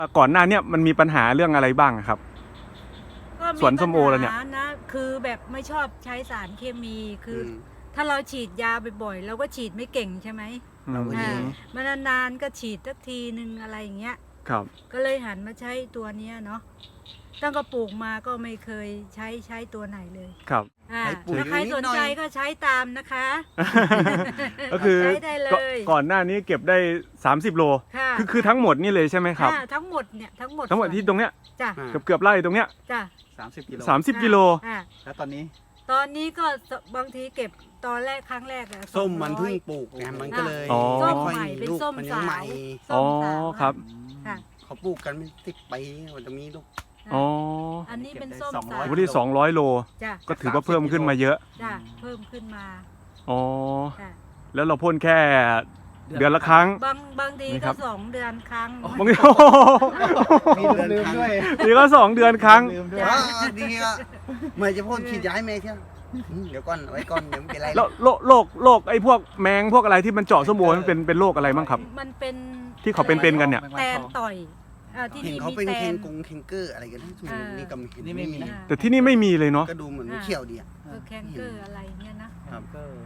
ก่อนหน้าเนี่ยมันมีปัญหาเรื่องอะไรบ้างครับสวนส้มโอแล้วเนี่ยนะคือแบบไม่ชอบใช้สารเคมีคือถ้าเราฉีดยาบ่อยๆเราก็ฉีดไม่เก่งใช่ไหมมานานๆก็ฉีดสักทีนึงอะไรอย่างเงี้ยครับก็เลยหันมาใช้ตัวนี้เนาะตั้งแต่ปลูกมาก็ไม่เคยใช้ตัวไหนเลยครับถ้าใครสนใจก็ใช้ตามนะคะก็คือใช้ได้เลยก่อนหน้านี้เก็บได้30 โลคือทั้งหมดนี่เลยใช่ไหมครับทั้งหมดเนี่ยทั้งหมดที่ตรงเนี้ยจ้ะเกือบไร่ตรงเนี้ยจ้ะ 30 กิโลแล้วตอนนี้ก็บางทีเก็บตอนแรกครั้งแรกอะส้มมันเพิ่งปลูกไงมันก็เลยส้มใหม่เป็นส้มสาวอ๋อครับเขาปลูกกันไม่10 ปีมันจะมีลูกอันนี้เป็นส้มสาววันที่200 โลก็ถือว่าเพิ่มขึ้นมาเยอะจ้ะเพิ่มขึ้นมาอ๋อแล้วเราพ่นแค่เดือนละครั้งบางทีก็2 เดือนครั้งบางทีมีเดือนด้วยนี่ก็2 เดือนครั้งดีอ่ะไม่จะพ่นฉีดยาให้แม่เที่ยวเดี๋ยวก่อนไว้ก่อนเดี๋ยวไม่เป็นไรแล้วโรคไอ้พวกแมงพวกอะไรที่มันเจาะส้มโอมันเป็นโรคอะไรบ้างครับมันเป็นที่เขาเป็นกันเนี่ยแตนต่อยที่นี่เขาเป็นเคงเกอร์อะไรกันนี่ก็ไม่มีนะแต่ที่นี่ไม่มีเลยเนาะก็ดูเหมือนเขียวดีอ่ะแคนเกอร์อะไรเนี่ยนะครับ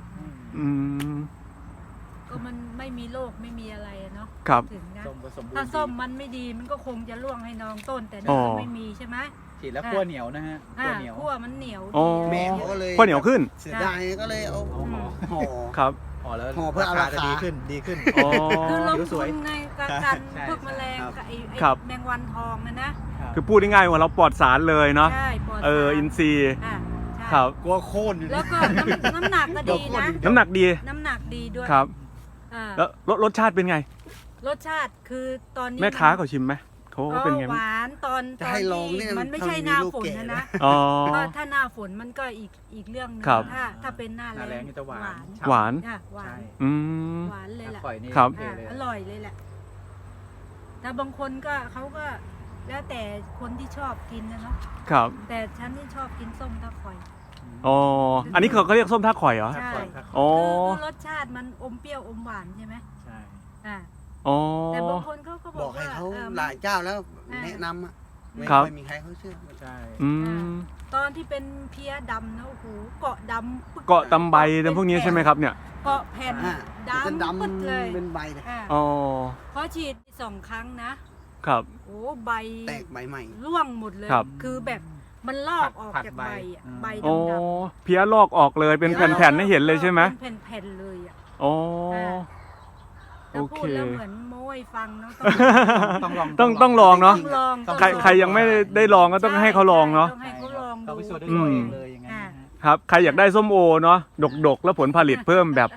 ก็มันไม่มีโรคไม่มีอะไรเนาะครับถึงนะถ้าส้มมันไม่ดีมันก็คงจะร่วงให้น้องต้นแต่นี่ไม่มีใช่ไหมฉีดแล้วขั้วเหนียวนะฮะขั้วมันเหนียวแม่เขาก็เลยขั้วเหนียวขึ้นเสียดายก็เลยเอาห่อครับห่อแล้วห่อเพื่อเอาราคาดีขึ้นคือลงทุนในการพวกแมลงกับไอ้แมงวันทองนะคือพูดง่ายๆว่าเราปลอดสารเลยเนาะอินทรีย์ครับกลัวโค่นแล้วก็น้ำหนักก็ดีนะน้ำหนักดีด้วยครับแล้วรสชาติเป็นไงรสชาติคือตอนนี้แม่ค้าเขาชิมไหมเขาเป็นไงหวานตอนที่มันไม่ใช่หน้าฝนนะถ้าหน้าฝนมันก็อีกเรื่องนึงถ้าเป็นหน้าแล้งจะหวานหวานหวานเลยแหละครับอร่อยเลยแหละแต่บางคนก็เขาก็แล้วแต่คนที่ชอบกินนะเนาะครับแต่ฉันที่ชอบกินส้มท่าข่อยอ๋ออันนี้เขาเรียกส้มท่าข่อยเหรอใช่คือรสชาติมันอมเปรี้ยวอมหวานใช่ไหมใช่แต่บางคนเขาก็บอกให้เขาหลายเจ้าแล้วแนะนำอ่ะไม่ค่อยมีใครเขาเชื่อใช่ตอนที่เป็นเพี้ยดำนะโอ้โหเกาะดำเกาะตำใบแต่พวกนี้ใช่ไหมครับเนี่ยเกาะแผ่นดำปึ๊ดเลยเป็นใบเลยเพราะฉีด2 ครั้งนะครับโอ้ใบแตกใบใหม่ร่วงหมดเลยคือแบบมันลอกออกจากใบใบดำๆเพี้ยลอกออกเลยเป็นแผ่นๆให้เห็นเลยใช่ไหมเป็นแผ่นๆเลยอ๋อโอเคแล้วเหมือนโม้ยฟังเนาะต้องลองเนาะใครยังไม่ได้ลองก็ต้องให้เขาลองเนาะต้องให้เขาลองดูเลยอย่างนั้นครับใครอยากได้ส้มโอเนาะดกแล้วผลผลิตเพิ่มแบบ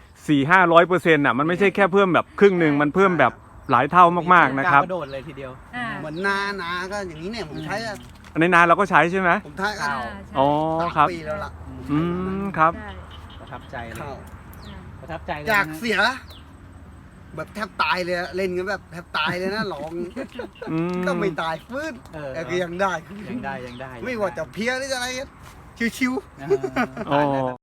400-500%อ่ะมันไม่ใช่แค่เพิ่มแบบครึ่งหนึ่งมันเพิ่มแบบหลายเท่ามากๆนะครับกระโดดเลยทีเดียวเหมือนนาก็อย่างนี้เนี่ยผมใช้ในนาเราก็ใช้ใช่ไหมผมใช้อ๋อครับปีแล้วล่ะครับประทับใจเลยประทับใจจากเสียแบบแทบตายเลยเล่นกันแบบแทบตายเลยนะหลองก็ไม่ตายฟื้นก็ยังได้ไม่ว่าจะเพี้ยหรืออะไรชิวๆ